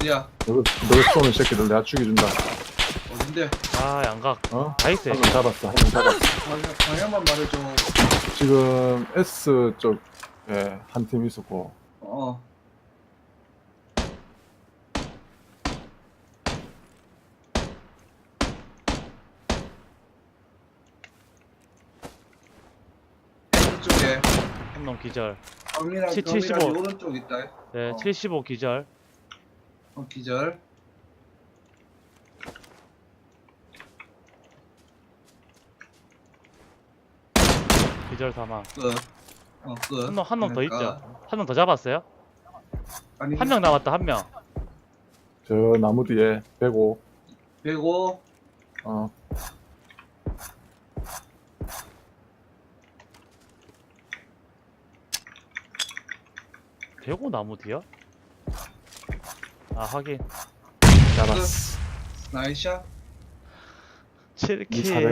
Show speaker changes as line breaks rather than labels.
어디야?
널 쏘는 새끼들 내가 죽여준다.
어딘데?
아 양각
어?
다 있어요.
한 명 잡았어. 한 명 잡았어.
방향만 말해줘.
지금 S 쪽에 한 팀 있었고
어. 이쪽에
한 놈 기절.
경이랑
75.
경이랑 오른쪽 있다.
네,
어.
75 기절.
기절.
기절 사망.
끝. 끝.
한 놈 더
그러니까.
있죠. 한 놈 더 잡았어요?
아니,
한 명 남았다. 한 명.
저 나무 뒤에 105.
105.
어.
대고 나무 뒤야? 아 확인.
잡았어.
나이샷.
7킬.
이